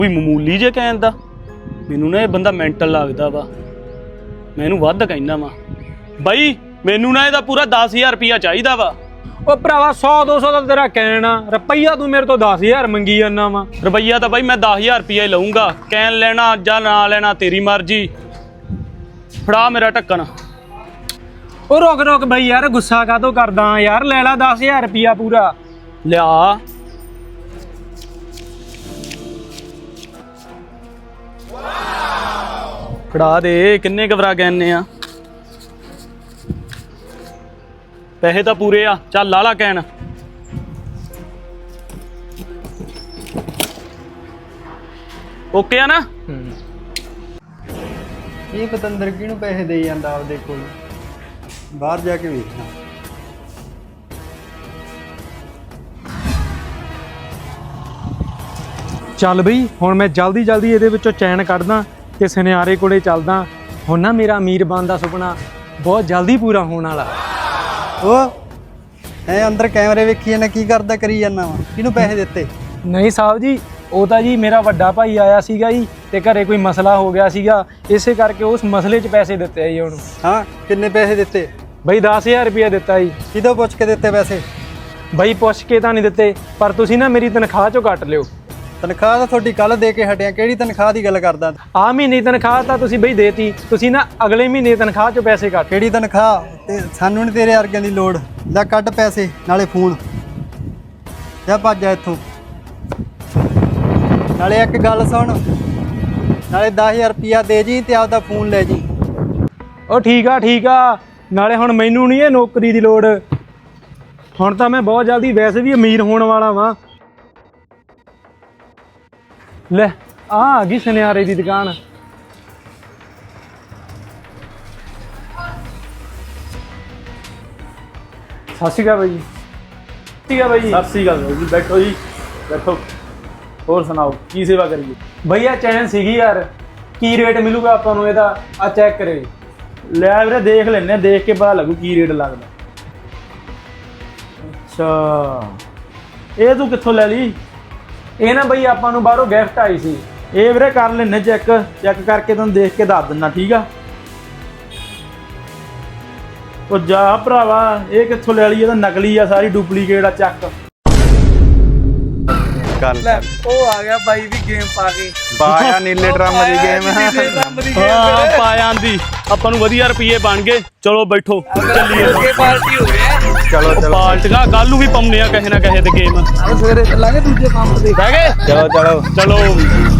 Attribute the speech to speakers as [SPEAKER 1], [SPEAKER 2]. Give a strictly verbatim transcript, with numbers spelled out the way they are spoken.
[SPEAKER 1] ਕੋਈ ਮਾਮੂਲੀ ਜੇ ਕਹਿਣ ਦਾ ਮੈਨੂੰ ਨਾ ਇਹ ਬੰਦਾ ਮੈਂਟਲ ਲੱਗਦਾ ਵਾ। ਮੈਂ ਇਹਨੂੰ ਵੱਧ ਕਹਿਣਾ ਵਾ ਬਾਈ, ਮੈਨੂੰ ਨਾ ਇਹਦਾ ਪੂਰਾ ਦਸ ਹਜ਼ਾਰ ਰੁਪਈਆ ਚਾਹੀਦਾ ਵਾ।
[SPEAKER 2] ਉਹ ਭਰਾਵਾ ਸੌ ਦੋ ਸੌ ਦਾ ਤੇਰਾ ਕਹਿਣਾ, ਰੁਪਈਆ ਤੂੰ ਮੇਰੇ ਤੋਂ ਦਸ ਹਜ਼ਾਰ ਮੰਗੀ ਜਾਂਦਾ ਵਾ।
[SPEAKER 1] ਰੁਪਈਆ ਤਾਂ ਬਾਈ ਮੈਂ ਦਸ ਹਜ਼ਾਰ ਰੁਪਈਆ ਹੀ ਲਊਂਗਾ, ਕਹਿਣ ਲੈਣਾ ਜਾਂ ਨਾ ਲੈਣਾ ਤੇਰੀ ਮਰਜ਼ੀ। ਫੜਾ ਮੇਰਾ ਢੱਕਣ।
[SPEAKER 2] ਉਹ ਰੁਕ ਰੁਕ ਬਈ ਯਾਰ, ਗੁੱਸਾ ਕਾਹਤੋਂ ਕਰਦਾ ਯਾਰ, ਲੈ ਲਾ ਦਸ ਹਜ਼ਾਰ ਰੁਪਈਆ ਪੂਰਾ।
[SPEAKER 1] ਲਿਆ ਫੜਾ ਦੇ। ਕਿੰਨੇ ਕਵਰਾ ਗੈਨੇ ਆ? ਪੈਸੇ ਤਾਂ ਪੂਰੇ ਆ, ਚੱਲ ਲਾ ਲਾ ਕਹਿਣ। ਓਕੇ ਆ ਨਾ?
[SPEAKER 3] ਇਹ ਪਤੰਦਰ ਕਿਹਨੂੰ ਪੈਸੇ ਦੇਈ ਜਾਂਦਾ ਆਪਦੇ ਕੋਲ, ਬਾਹਰ ਜਾ ਕੇ ਵੇਖਣਾ।
[SPEAKER 2] ਚੱਲ ਬਈ ਹੁਣ ਮੈਂ ਜਲਦੀ ਜਲਦੀ ਇਹਦੇ ਵਿੱਚੋਂ ਚੈਨ ਕੱਢਦਾ ਤੇ ਸੁਨਿਆਰੇ ਕੋਲੇ ਚੱਲਦਾ। ਹੁਣ ਨਾ ਮੇਰਾ ਅਮੀਰ ਬਣਨ ਦਾ ਸੁਪਨਾ ਬਹੁਤ ਜਲਦੀ ਪੂਰਾ ਹੋਣ ਵਾਲਾ।
[SPEAKER 3] ਉਹ ਐ ਅੰਦਰ ਕੈਮਰੇ ਵੇਖੀ ਜਾਂਦਾ, ਕੀ ਕਰਦਾ ਕਰੀ ਜਾਂਦਾ ਵਾ? ਕਿਹਨੂੰ ਪੈਸੇ ਦਿੱਤੇ?
[SPEAKER 2] ਨਹੀਂ ਸਾਹਿਬ ਜੀ, ਉਹ ਤਾਂ ਜੀ ਮੇਰਾ ਵੱਡਾ ਭਾਈ ਆਇਆ ਸੀਗਾ ਜੀ ਤੇ ਘਰੇ ਕੋਈ ਮਸਲਾ ਹੋ ਗਿਆ ਸੀਗਾ, ਇਸੇ ਕਰਕੇ ਉਸ ਮਸਲੇ 'ਚ ਪੈਸੇ ਦਿੱਤੇ ਆ ਜੀ ਉਹਨੂੰ।
[SPEAKER 3] ਹਾਂ, ਕਿੰਨੇ ਪੈਸੇ ਦਿੱਤੇ?
[SPEAKER 2] ਬਈ ਦਸ ਹਜ਼ਾਰ ਰੁਪਇਆ ਦਿੱਤਾ ਜੀ।
[SPEAKER 3] ਕਿਦੋਂ ਪੁੱਛ ਕੇ ਦਿੱਤੇ ਪੈਸੇ?
[SPEAKER 2] ਬਈ ਪੁੱਛ ਕੇ ਤਾਂ ਨਹੀਂ ਦਿੱਤੇ, ਪਰ ਤੁਸੀਂ ਨਾ ਮੇਰੀ ਤਨਖਾਹ 'ਚੋਂ ਕੱਟ ਲਿਓ।
[SPEAKER 3] ਤਨਖਾਹ ਤਾਂ ਤੁਹਾਡੀ ਕੱਲ ਦੇ ਕੇ ਹਟਿਆ, ਕਿਹੜੀ ਤਨਖਾਹ ਦੀ ਗੱਲ ਕਰਦਾ?
[SPEAKER 2] ਆਹ ਮਹੀਨੇ ਦੀ ਤਨਖਾਹ ਤਾਂ ਤੁਸੀਂ ਬਈ ਦੇਤੀ, ਤੁਸੀਂ ਨਾ ਅਗਲੇ ਮਹੀਨੇ ਦੀ ਤਨਖਾਹ 'ਚੋਂ ਪੈਸੇ ਕੱਟ।
[SPEAKER 3] ਕਿਹੜੀ ਤਨਖਾਹ? ਤੇ ਸਾਨੂੰ ਨਹੀਂ ਤੇਰੇ ਵਰਗਿਆਂ ਦੀ ਲੋੜ। ਲੈ ਕੱਢ ਪੈਸੇ, ਨਾਲੇ ਫੋਨ। ਜਾ ਭੱਜ ਜਾ ਇੱਥੋਂ। ਨਾਲੇ ਇੱਕ ਗੱਲ ਸੁਣ, ਨਾਲੇ ਦਸ ਹਜ਼ਾਰ ਰੁਪਈਆ ਦੇ ਜੀ ਤੇ ਆਪਦਾ ਫੋਨ ਲੈ ਜੀ।
[SPEAKER 2] ਉਹ ਠੀਕ ਆ ਠੀਕ ਆ, ਨਾਲੇ ਹੁਣ ਮੈਨੂੰ ਨਹੀਂ ਇਹ ਨੌਕਰੀ ਦੀ ਲੋੜ, ਹੁਣ ਤਾਂ ਮੈਂ ਬਹੁਤ ਜਲਦੀ ਵੈਸੇ ਵੀ ਅਮੀਰ ਹੋਣ ਵਾਲਾ ਵਾਂ। ਲੈ ਆ ਆ ਗਈ ਸੁਨਿਆਰੇ ਦੀ ਦੁਕਾਨ। ਸਤਿ ਸ਼੍ਰੀ ਅਕਾਲ ਬਾਈ ਜੀ। ਸਤਿ ਸ਼੍ਰੀ ਅਕਾਲ ਬਾਈ ਜੀ।
[SPEAKER 1] ਸਤਿ ਸ੍ਰੀ ਅਕਾਲ ਜੀ, ਬੈਠੋ ਜੀ ਬੈਠੋ। ਹੋਰ ਸੁਣਾਓ, ਕੀ ਸੇਵਾ ਕਰੀਏ?
[SPEAKER 2] ਭਈਆ ਚੈਨ ਸੀਗੀ ਯਾਰ, ਕੀ ਰੇਟ ਮਿਲੂਗਾ ਆਪਾਂ ਨੂੰ ਇਹਦਾ? ਆ ਚੈੱਕ ਕਰੇ।
[SPEAKER 1] ਲੈ ਵੀਰੇ ਦੇਖ ਲੈਨੇ, ਦੇਖ ਕੇ ਪਤਾ ਲੱਗੂ ਕੀ ਰੇਟ ਲੱਗਦਾ। ਅੱਛਾ, ਇਹ ਤੂੰ ਕਿੱਥੋਂ ਲੈ ਲਈ?
[SPEAKER 2] ਇਹ ਨਾ ਬਈ ਆਪਾਂ ਨੂੰ ਬਾਹਰੋਂ ਗਿਫਟ ਆਈ ਸੀ।
[SPEAKER 1] ਇਹ ਵੀਰੇ ਕਰ ਲੈਨੇ ਚੈੱਕ, ਚੈੱਕ ਕਰਕੇ ਤੁਹਾਨੂੰ ਦੇਖ ਕੇ ਦੱਸ ਦਿੰਦਾ, ਠੀਕ ਆ? ਉਹ ਜਾ ਭਰਾਵਾ, ਇਹ ਕਿੱਥੋਂ ਲੈ ਲਈ? ਇਹ ਤਾਂ ਨਕਲੀ ਆ, ਸਾਰੀ ਡੁਪਲੀਕੇਟ ਆ। ਚੱਕ
[SPEAKER 3] ਲੈ ਉਹ ਆ ਗਿਆ ਬਾਈ ਵੀ ਗੇਮ ਪਾ ਕੇ। ਪਾਇਆ ਨੀਲੇ ਡਰਮ ਦੀ ਗੇਮ।
[SPEAKER 1] ਹਾਂ ਪਾ ਜਾਂਦੀ, ਆਪਾਂ ਨੂੰ ਵਧੀਆ ਰੁਪਏ ਬਣ ਗਏ। ਚਲੋ ਬੈਠੋ, ਚੱਲੀਏ।
[SPEAKER 3] ਪਾਰਟੀ ਹੋ ਗਈ। ਚਲੋ ਚਲੋ
[SPEAKER 1] ਪਾਲਟੀਆਂ ਕੱਲ ਨੂੰ ਵੀ ਪਾਉਂਦੇ ਆ ਕਿਸੇ ਨਾ ਕਿਸੇ ਤੇ ਗੇਮ।
[SPEAKER 3] ਸਵੇਰੇ ਚੱਲਾਂਗੇ ਦੂਜੇ ਕੰਮ ਤੇ।
[SPEAKER 1] ਬਹਿ ਗਏ?
[SPEAKER 3] ਚਲੋ ਚਲੋ
[SPEAKER 1] ਚਲੋ।